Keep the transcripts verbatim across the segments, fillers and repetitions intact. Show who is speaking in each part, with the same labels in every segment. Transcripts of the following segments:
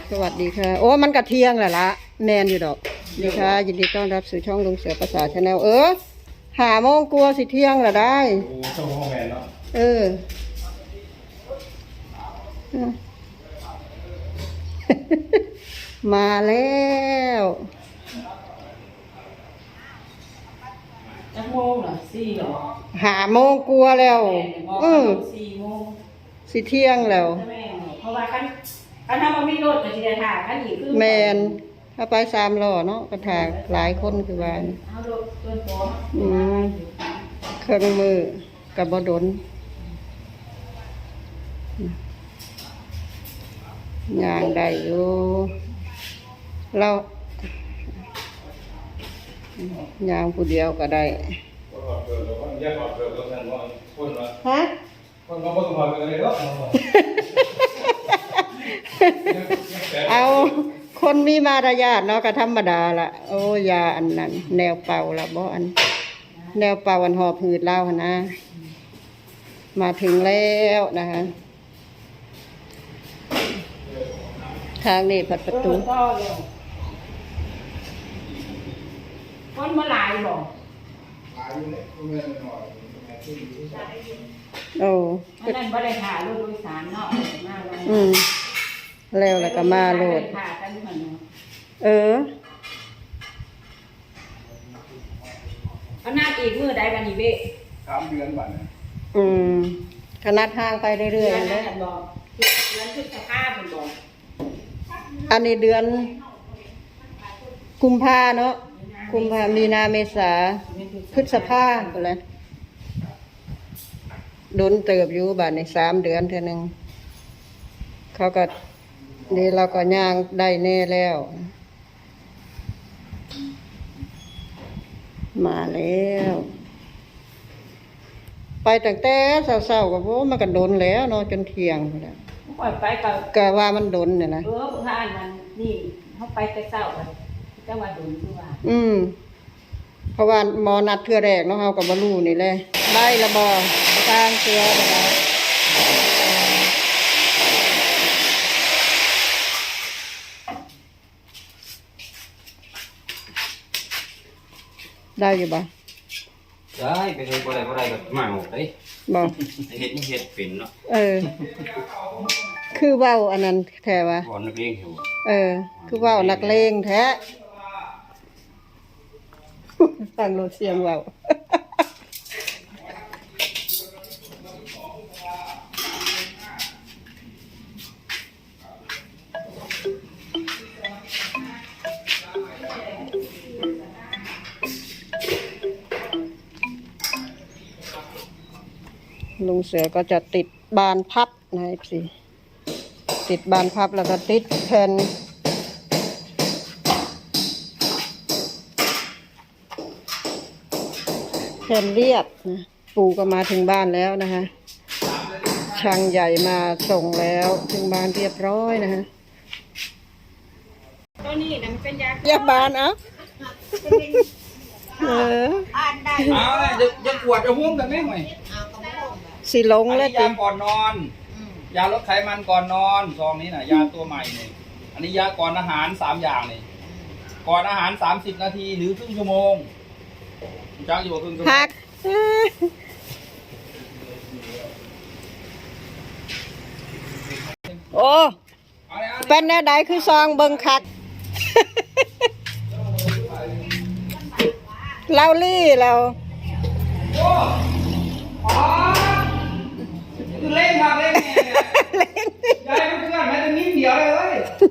Speaker 1: สวัสดีค่ะโอ้มันกระเทียงแหละละแมนอยู่ดอกดีค่ะยินดีต้อนรับสู่ช่องลุงเสือภาษาชาแนลเออหาโมงกลัวสิเที่ยงละได้
Speaker 2: โอ้ช่องห้องแมนเนาะ
Speaker 1: เออมาแล้ว
Speaker 3: จะโมงเหรอสี่เหรอ
Speaker 1: หาโมงกลัวแล้ว
Speaker 3: เออสี่โมง
Speaker 1: สิเที่ยงแล้ว
Speaker 3: เพราะว่าคันคันถ้ามันไม่รถก็จะได้ถ่ายคันอีกคือ
Speaker 1: แมนถ้าไปสามล้อเนาะกระถางหลายคนคือว่า
Speaker 3: เอารถตัวโต
Speaker 1: อืมเครื่องมือกับบดนย่างได้อยู่เราย่างผู้เดียวก็ได้ฮะเอาคนมีมารยาทเนาะก็ธรรมดาละโอ้ยาอันนั้นแนวเป่าละบ่อันแนวเป่าอันหอบหืดเล่าหนะมาถึงแล้วนะคะทางนี้ผัดประตู
Speaker 3: คนมาหลายบอก
Speaker 1: โอ้
Speaker 3: อันนั้นบ่ได้ถ่ายรถโดยสารเนาะมาเลย
Speaker 1: อืมแล้วแล้วก็มาโหลดเออ
Speaker 3: เขาหน้าอีกมือใดบันนี้เบ้
Speaker 2: สามเดือนบัดนะ
Speaker 1: อืมขนาดทางไปเรื่อยๆเลย
Speaker 3: บอกเดือนพฤษภาคมบอก
Speaker 1: อันนี้เดือนกุมภาเนาะกุมภามีนาเมษาพฤษภาก็เลยโดนเติบอยู่บาทในสามเดือนเท่านึงเขาก็นี่เราก็ย่างได้แน่แล้วมาแล้วไปตั้งแต่เศร้าๆกับพวกมันก็โดนแล้วเนาะจนเที่ยงแล้ว
Speaker 3: ปล่อยไปกับ
Speaker 1: ก็ว่ามันโดนเนี่ยนะ
Speaker 3: เออพวกท่านมันนี่เขาไปแต่เศร้าเลยแต่ว่าโดนคือว่า
Speaker 1: อืมเพราะว่าหมอนัดเทื่อแรกเนาะเฮาก็บ่รู้นี่แหละได้ละบ่ทางเสือได้ได้อยู่บ่
Speaker 2: ได้ไปเฮ็ดบ่ได้บ่ได้ก็มาเอาเด้
Speaker 1: บ่
Speaker 2: เฮ็ดนี่เฮ็ดเป็นเนาะ
Speaker 1: เออคือเว้าอันนั้นแท้ว่า
Speaker 2: บ่นักเลงอยู่
Speaker 1: เออคือเว้านักเลงแท้ฟังโลเสียงเว้าลุงเสือก็จะติดบานพับนะสิติดบานพับแล้วก็ติดแผ่นแผ่นเรียบนะปู่ก็มาถึงบ้านแล้วนะคะช่างใหญ่มาส่งแล้วถึงบ้านเรียบร้อยนะคะ
Speaker 3: ตัวนี้นะมันเป็นยา
Speaker 1: เรียบบานเอ้าเออ
Speaker 2: เอาเลยจะจะปวดจะห่วงกันไหมหน่อย
Speaker 1: สิลงแล้ว
Speaker 2: ยาก่อนนอนยาลดไขมันก่อนนอนซองนี้น่ะยาตัวใหม่นี่อันนี้ยาก่อนอาหารสามอย่างนี่ก่อนอาหารสามสิบนาทีหรือครึ่งชั่วโมงจ้างอยู่ครึ่งชั่วโมง
Speaker 1: พักโอ้เป็นแนวใดคือซองเบิ่งคักเล่าลี่เรา
Speaker 2: คือเล่นครับเล่นไงยายเพื่อนแม้แต่นิดเดียวเลย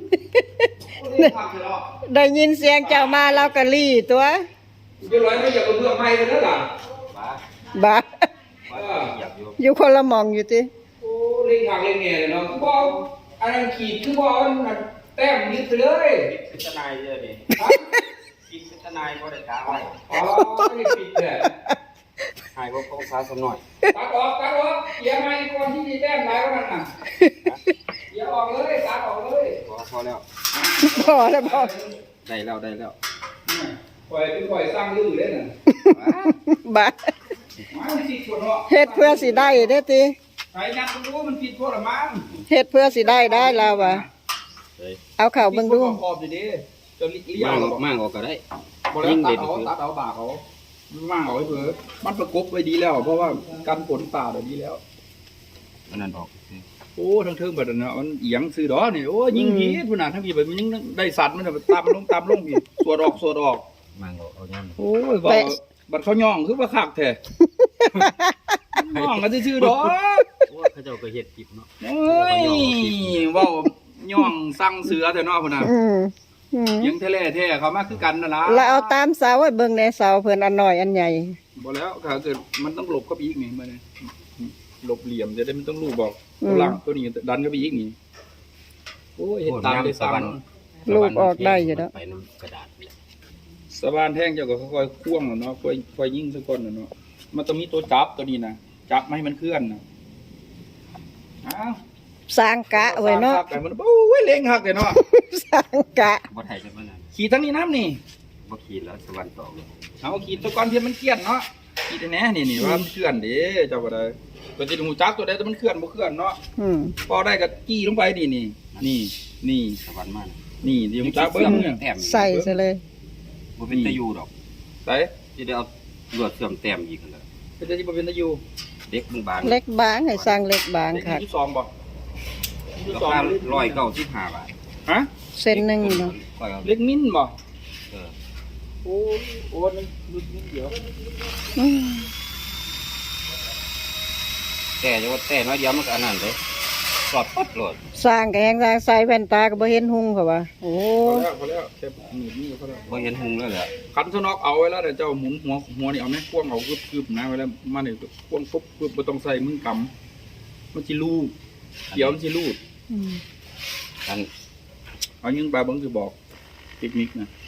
Speaker 1: ได้ยินเสียงเจ้ามาเราก็ลี่ตัว
Speaker 2: จะร้อยไม่อยากเอาเพื่อนไม่เลยนะล่ะ
Speaker 1: บ้าอยู่คนละมองอยู่ติ
Speaker 2: โอ้เล่นผักเล่นไงเลยเนาะคือบอลอันนั้นขีดคือบอลแต้มยึดไปเลยพิจารณาเยอะดิคิดพิจารณาก็ได้กาไว้อ๋อไม่ผิดเลยหายพวกของสาสมหน่อยตัดออกตัดออกเกี่ยไม่ก่อนที่จะแต้มหลายวันน่ะเกี่ยออกเลยตัดออกเลยพอพอแล้ว
Speaker 1: พอแล้วพอ
Speaker 2: ได้แล้วได้แล้วปล่อยเป็นปล่อยสร้างลื่นเลยน่ะ
Speaker 1: บ้าเฮ็ดเพื่อสิได้เด้อติ
Speaker 2: ใครนักรู้มันผิดพวกละมั้ง
Speaker 1: เฮ็ดเพื่อสิได้ได้แล้ววะเอาเข่าเบิ่งดู
Speaker 2: ขอบดีๆจะเลี้ย
Speaker 4: มั่
Speaker 2: ว
Speaker 4: งมั่งออกก็ได้
Speaker 2: บ่แล้วตัดเอาตัดเอาบากเขามั่งเอาไว้เผื่อมันประกบไว้ดีแล้ว เพราะว่ากันฝนป่าเดี๋ยวดีแล้ว
Speaker 4: อันนั้นออก
Speaker 2: โอ้ทั้งเทิงแบบนั้นนะมันเอียงซื้อดอนี่โอ้ยิงผีพุ่นน่ะทั้งผีแบบมันยังได้สัตว์มันน่ะตามลงตามลงพี่สวดออกสวดออก
Speaker 4: มั่งออกเอาย่ำ
Speaker 2: โอ้ยบ่บัดเขาย่องคือว่าคักแท้ย่องกันซื่อๆดอก
Speaker 4: ว่าเขาเจ้าก็เฮ็ดกิบเนาะ
Speaker 2: โอ้ยเว้าย่องสั่งเสือแต่เนาะพุ่นน่ะ
Speaker 1: อืมอืม
Speaker 2: ยังแท้ๆแท้เขามาคือกันนั่นล่ะ
Speaker 1: แล้วเอาตามเสาไว้เบิ่งในเสาเพิ่นอันน้อยอันใหญ่
Speaker 2: บ่แล้วถ้าเกิดมันต้องหลบเข้าไปอีกนี่มันนี่หลบเหลี่ยมจะได้มันต้องรูบอก
Speaker 1: อืม
Speaker 2: ตัวหลังตัวนี้ดันเข้าไปอีกนี่โอ้ยเฮ็ดตามได้สั่ง
Speaker 1: ลูกออกได้อยู่แล้ว
Speaker 4: ไปน้ำกระดาษนี่แหละ
Speaker 2: สะบานแท่งเจ้าก็ค่อยๆควงแล้วเนาะค่อยค่อยยิงซะก่อนน่ะเนาะมันต้องมีตัวจับตัวนี้นะจับไม่ให้มันเคลื่อนนะอ้าว
Speaker 1: สร้างกะไว้เนาะ
Speaker 2: สร้งภพแต่มันโอ้ยเล็งหักเลยเนาะ
Speaker 1: สร้างกะ
Speaker 4: บ่ไทยจะมานั่น
Speaker 2: ขี่ทั้งนี้น้ำนี่
Speaker 4: บ่ขีดแล้วสวรรค์ตอกเลย
Speaker 2: เอาขี่ตัวก่อนเพียนมันเคลื่อนเนาะขี่แต่แหน่นี่นี่ว่ามันเคลื่อนเด้เจ้าก็ได้ปกติหูจักตัวใดแต่มันเคลื่อนบ่เคลื่อนเนาะ
Speaker 1: อืม
Speaker 2: พอได้ก็จี้ลงไปนี่นี่นี่นี่
Speaker 4: สวรรค์มาน่ะ
Speaker 2: นี่ที่หูจักเบิ่งเนี่ย
Speaker 4: แต้ม
Speaker 1: ใส่ซะเลย
Speaker 4: บ่เป็นตะยูดอก
Speaker 2: ใส่
Speaker 4: สิได้เอาลวดเสื่อมแต้มอีกนั่นแหละ
Speaker 2: เป็นที่บ่เป็นตะอยู่
Speaker 4: เด็กบางๆ
Speaker 1: เล็กบางให้สร้างเล็กบาง
Speaker 2: เด็ก
Speaker 1: ค่ะ
Speaker 2: ที่สองบ่ที่
Speaker 4: รา
Speaker 2: สอง
Speaker 4: คาร้อยเก้าสิบห้าบาท
Speaker 2: ฮะ
Speaker 1: เส้นหนึงเนาะ
Speaker 4: ร้อยเอา
Speaker 2: เล็กมิ้นบ่
Speaker 4: เออ
Speaker 2: โอ้ยโอ้ยมันนิดนิดเดียว
Speaker 1: อืม
Speaker 4: แต่จะว่าแต่น้อยเดียวมันก็อันนั้นเลยสอดปั๊ดโลด
Speaker 1: สร้างก็แฮงสร้างใส่แว่นตาก็บ่เห็นหุ่งเขาว่าโอ้
Speaker 2: พอแล้วพอแล้วแค่หนีบนี่ก็พอแล้ว
Speaker 4: บ่เห็นหุงแล้วแหละ
Speaker 2: คันสนอกเอาไว้แล้วเดี๋ยวเจ้าหมุนหัวหัวนี่เอาไหมควงเอากึบกึบนะไว้แล้วมาเนี่ยควงปุ๊บปุ๊บไม่ต้องใส่มือกำมันจิลูดเกี่ยวมันจิลูด
Speaker 1: อืม
Speaker 4: อัน
Speaker 2: เอายิงปลาเบิ้งคือบอกเทคนิคนะ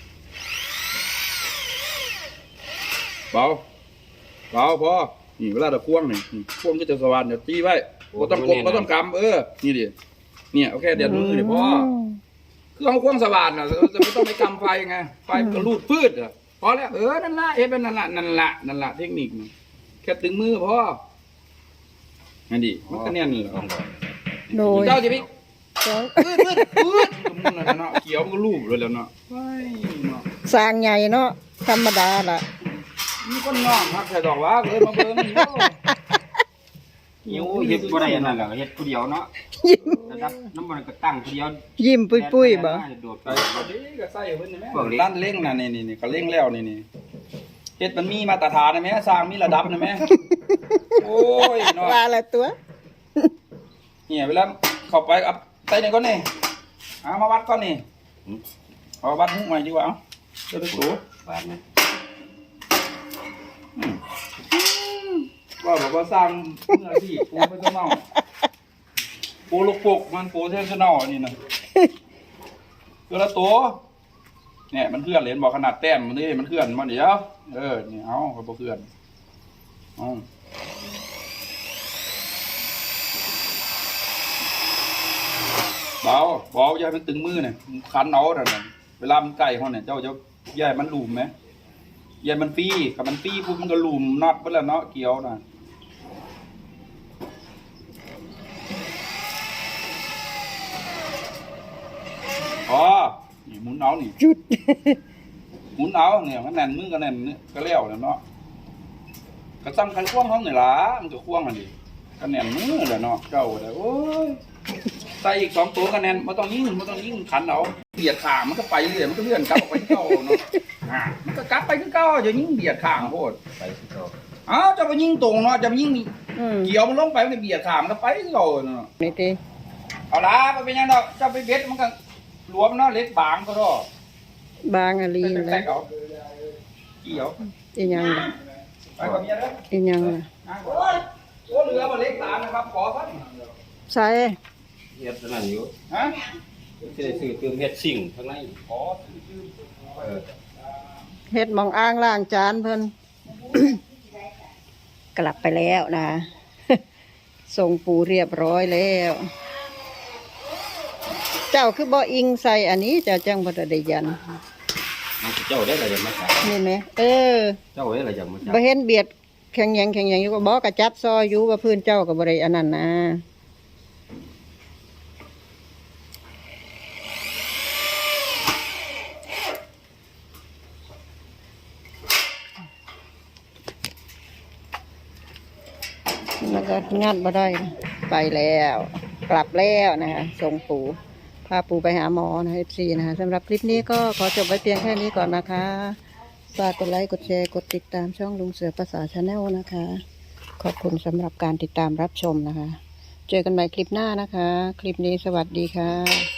Speaker 2: เบาเบาพอนี่เวลาเราควงนี่นี่ควงก็จะสว่านเดี๋ยวตีไว้บ่ต้องกดบ่ต้องกำเออนี่ดิเนี่ยเอาแค่เดียดมือเดี๋ยวพอ คือเอาควงสว่านอ่ะจะไม่ต้องไปกำไฟไงไฟก็รูดพืชอ่ะพอแล้วเออนั่นละเอ๊ะเป็นนั่นละนั่นละนั่นละเทคนิคนี่แค่ตึงมือพอนั่นดิมันก็แน่นเลย
Speaker 4: ต้องบอก
Speaker 1: โดย
Speaker 2: เจ้าจะไป
Speaker 1: สอง
Speaker 2: พืดพืดพืดมันนั่นเนาะเขียวมันก็รูปเลยแล้วเนาะว้ายเนาะ
Speaker 1: สร้างใหญ่เนาะธรรมดาล่ะ
Speaker 2: นี่ก็น้องฮักใส่ดอกว่าเลยมาเบิ่งนี่โอ้
Speaker 4: หิวเฮ็ดบ่ได้อันนั้นแหละเฮ็ดผู้เดียวเนาะระดับน้ำมันก็ตั้งผู้เดียว
Speaker 1: ยิ้มปุ้ยๆบ่
Speaker 4: โดดไป
Speaker 2: ใส่พอดีก็ใส่เพิ่นนี่แม่ด้านเล่งน่ะนี่นี่ๆก็เล่งแล้วนี่นี่เฮ็ดมันมีมาตรฐานนะแม่สร้างมีระดับนะแม่โอ้ยเนาะ
Speaker 1: ว่าละตัว
Speaker 2: เนี่ยเวลาเข้าไปเอาใส่นี่ก่อนนี่เอามาวัดก่อนนี่เอาวัดหุ้มใหม่ดีกว่าเอาเดี๋ยวไปสู
Speaker 4: บาดนะ
Speaker 2: ว่าบอกว่าสร้างเมื่อที่ปูเป็นเจ้าเน่าปูลูกปกมันปูเท่เจ้าเน่าอันนี้นะคือละตัวเนี่ยมันเคลื่อนเหรียญบอกขนาดแต้มมันนี่มันเคลื่อนมาเดี๋ยวเออนี่เอาเขาบอกเคลื่อนเอาเบาเบาอย่าให้มันตึงมือเนี่ยคันเอาแต่ะเวลามันใกล้เขาเนี่ยเจ้าจะอย่าให้มันหลุมไหมอย่าให้มันฟรีกับมันฟรีปุ๊บมันก็หลุมน็อตไปแล้วเนาะเกี่ยวนะอ๋อนี่หมุนเอานี่
Speaker 1: จุด
Speaker 2: หมุนเอาเนี่ยมันแน่นมือก็แน่นเนี่ยก็เลี้ยวแล้วเนาะก็ซ้ำคันควงเขาเนี่ยล่ะมันก็ควงอันนี้ก็แน่นมือแหละเนาะเจ้าเลยโอ้ยใส่อีกสองตัวก็แน่นไม่ต้องยิงไม่ต้องยิงขันเอาเบียดขามันก็ไปเรื่อยมันก็เลื่อนกลับออกไปที่เก่าเนาะอ่ามันก็กลับไปที่เก่าอย่ายิงเบียดขางโพด
Speaker 4: ไปที่เขา
Speaker 2: อ้าวจะไปยิงตรงเนาะจะไปยิง
Speaker 1: อืม
Speaker 2: เกี่ยวมันลงไปมันก็เบียดขามันก็ไปที่เก่าเนาะ
Speaker 1: นี่ติ
Speaker 2: เอาละไปเป็นยังดอกเจ้าไปเบ็ดมันก็หลวมเนาะเล็กบางก็ได้
Speaker 1: บางอะลี
Speaker 2: เป็น
Speaker 1: น
Speaker 2: แต
Speaker 1: แล้
Speaker 2: ก
Speaker 1: ว
Speaker 2: เอาเกี่ยว
Speaker 1: อีหยังล่ะ
Speaker 2: ไปกับเมียเด้อ
Speaker 1: อีหยังล่ะ
Speaker 2: โอ้ยโอ้เรือมาเล็กตามนะครับ ขอสัก
Speaker 1: ใส่
Speaker 4: เฮ็ดอันนั้นอยู่
Speaker 2: ฮะ
Speaker 4: สิได้ซื้อเติมเฮ็ดสิ่งข้างใน
Speaker 2: ขอชื่อ
Speaker 4: เออ
Speaker 1: เฮ็ดหมองอ่างล้างจานเพิ่น กลับไปแล้วนะ ส่งปูเรียบร้อยแล้ว เจ้าคือบ่อิงใส่อันนี้เจ้าจังบ่ได้ยัน
Speaker 4: มันเจ้าได้อะไรมาจาก
Speaker 1: นี่ไหมเออ
Speaker 4: เจ้าได้อะไรจากมาจาก
Speaker 1: บ่เห็นเบียดแข็งหยังแข็งหยังอยู่ก็บ่กระจับซอยอยู่ว่าพื้นเจ้าก็บ่ได้อันนั้นนะมันก็งัดมาได้ไปแล้ว กลับแล้วนะคะส่งปู่พาปู่ไปหาหมอนะเอฟซีนะคะสำหรับคลิปนี้ก็ขอจบไว้เพียงแค่นี้ก่อนนะคะฝากกดไลค์กดแชร์กดติดตามช่องลุงเสือภาษาชาแนลนะคะ ขอบคุณสำหรับการติดตามรับชมนะคะ เจอกันใหม่คลิปหน้านะคะ คลิปนี้สวัสดีค่ะ